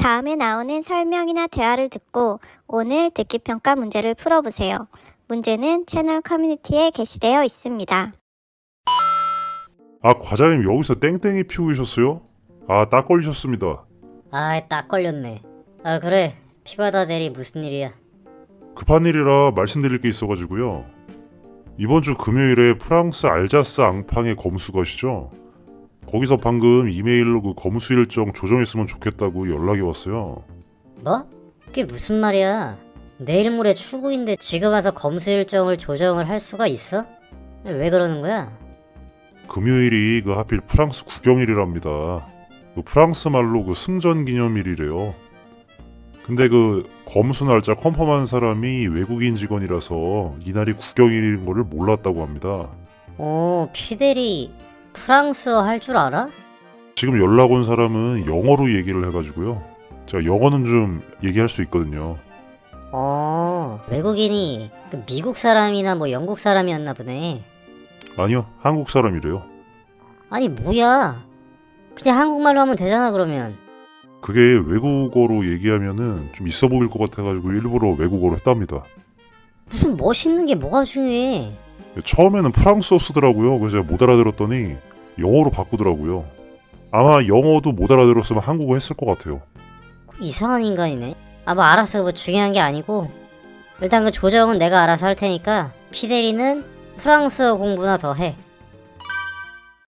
다음에 나오는 설명이나 대화를 듣고 오늘 듣기평가 문제를 풀어보세요. 문제는 채널 커뮤니티에 게시되어 있습니다. 아, 과장님 여기서 땡땡이 피우고 계셨어요? 아, 딱 걸리셨습니다. 딱 걸렸네. 그래. 피바다 대리 무슨 일이야? 급한 일이라 말씀드릴 게 있어가지고요. 이번 주 금요일에 프랑스 알자스 앙팡의 검수거시죠? 거기서 방금 이메일로 그 검수 일정 조정했으면 좋겠다고 연락이 왔어요. 뭐? 그게 무슨 말이야? 내일 모레 출국인데 지금 와서 검수 일정을 조정을 할 수가 있어? 왜 그러는 거야? 금요일이 그 하필 프랑스 국경일이랍니다. 그 프랑스 말로 그 승전 기념일이래요. 근데 그 검수 날짜 컨펌한 사람이 외국인 직원이라서 이날이 국경일인 거를 몰랐다고 합니다. 피대리 프랑스어 할 줄 알아? 지금 연락 온 사람은 영어로 얘기를 해가지고요. 제가 영어는 좀 얘기할 수 있거든요. 외국인이 그 미국 사람이나 뭐 영국 사람이었나 보네. 아니요, 한국 사람이래요. 아니 뭐야? 그냥 한국말로 하면 되잖아 그러면. 그게 외국어로 얘기하면은 좀 있어 보일 것 같아가지고 일부러 외국어로 했답니다. 무슨 멋있는 게 뭐가 중요해? 처음에는 프랑스어 쓰더라고요. 그래서 제가 못 알아들었더니 영어로 바꾸더라고요. 아마 영어도 못 알아들었으면 한국어 했을 것 같아요. 이상한 인간이네. 뭐 알았어. 뭐 중요한 게 아니고 일단 그 조정은 내가 알아서 할 테니까 피데리는 프랑스어 공부나 더 해.